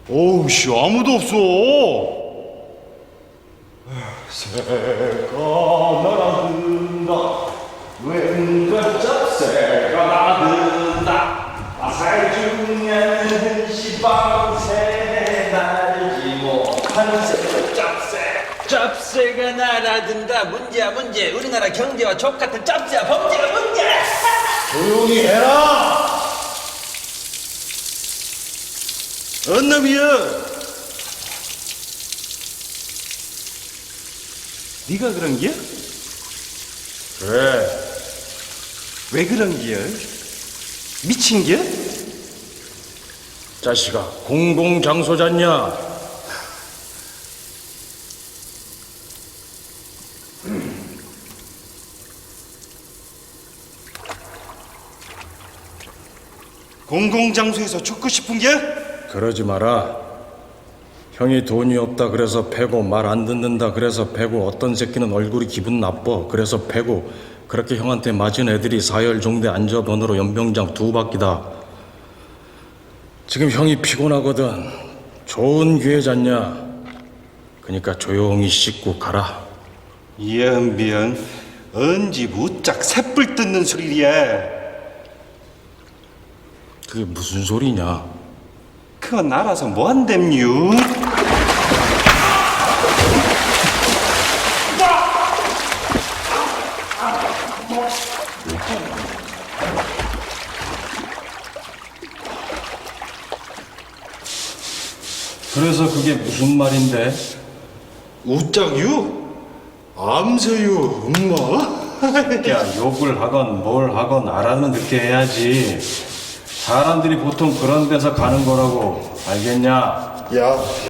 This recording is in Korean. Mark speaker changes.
Speaker 1: 어우 씨 아무도 없어. 새가 날아든다 왼발 잡새가 나든다 아살 중에는 시방새 날지 못한 새
Speaker 2: 짭새가 날아든다. 문제. 우리나라 경제와 족같은 짭새야. 범죄가 문제.
Speaker 1: 조용히 해라. 언 놈이여, 네가 그런 기야? 그래. 왜 그런 기야? 미친 기야?
Speaker 3: 자식아, 공공장소잖냐?
Speaker 1: 공공장소에서 죽고 싶은 기야?
Speaker 3: 그러지 마라. 형이 돈이 없다 그래서 패고, 말 안 듣는다 그래서 패고, 어떤 새끼는 얼굴이 기분 나빠 그래서 패고, 그렇게 형한테 맞은 애들이 사열종대 안전번호로 연병장 2바퀴다. 지금 형이 피곤하거든. 좋은 기회 잤냐? 그러니까 조용히 씻고 가라.
Speaker 1: 연비연 언제 무짝 새뿔 뜯는 소리야.
Speaker 3: 그게 무슨 소리냐?
Speaker 1: 그건 알아서 뭐 한댐유.
Speaker 3: 그래서 그게 무슨 말인데?
Speaker 1: 우짝유? 암세유 엄마?
Speaker 3: 야, 욕을 하건 뭘 하건 알아는 듣게 해야지. 사람들이 보통 그런 데서 가는 거라고. 알겠냐?
Speaker 1: 야